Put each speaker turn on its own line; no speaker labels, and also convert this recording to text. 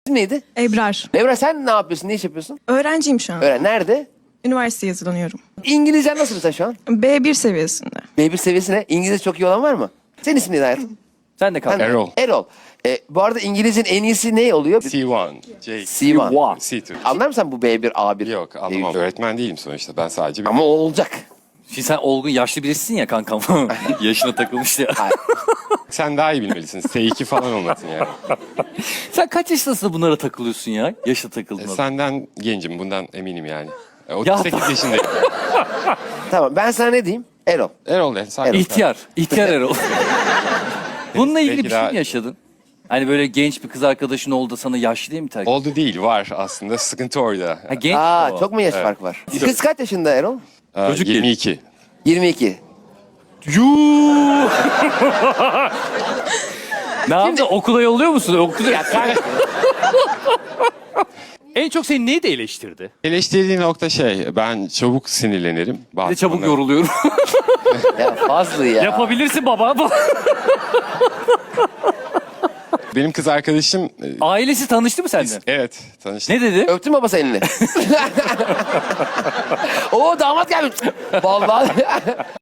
Neydi?
Ebrar.
Evra sen ne yapıyorsun? Ne iş yapıyorsun?
Öğrenciyim şu an.
Öğren. Nerede?
Üniversiteye hazırlanıyorum.
İngilizcen nasıl mesela şu an?
B1 seviyesinde.
B1 seviyesine. İngilizce çok iyi olan var mı? Senin ismin neydi hayatım?
Sen de kal.
Sen-
Erol.
Erol. Bu arada İngilizcenin en iyisi ne oluyor?
C1, J,
C1.
C2.
Anlar mısın bu B1, A1?
Yok anlamam.
B1?
Öğretmen değilim sonuçta. Ben sadece bir...
Ama o olacak.
Şimdi sen olgun yaşlı birisin ya kankam. Yaşına takılmış ya.
Sen daha iyi bilmelisin. S2 falan olmasın yani.
Sen kaç yaşındasın da bunlara takılıyorsun ya? Yaşa takıldın.
Senden gencim. Bundan eminim yani.
Ya
38 yaşındayım.
Tamam ben sana ne diyeyim? Erol.
Erol de. Sakin.
İhtiyar. İhtiyar Erol. Bununla ilgili
Belki
bir şey
daha-
mi yaşadın? Hani böyle genç bir kız arkadaşın oldu da sana yaşlı diye mi terk etti?
Oldu değil. Var aslında. Sıkıntı orada.
Ha, genç
Aa
o.
çok mu yaş fark var? Kız kaç yaşında Erol?
Çocuk
22.
22.
Ne yaptın? Okula yolluyor musun? Okula...
Ya kanka.
En çok seni neydi eleştirdi?
Eleştirdiği nokta ben çabuk sinirlenirim.
Ne çabuk yoruluyorum.
Ya fazla ya.
Yapabilirsin baba.
Benim kız arkadaşım...
Ailesi tanıştı mı seninle?
Evet tanıştık.
Ne dedi?
Öptün mü babası elini? Oo damat gelmiş. Vallahi.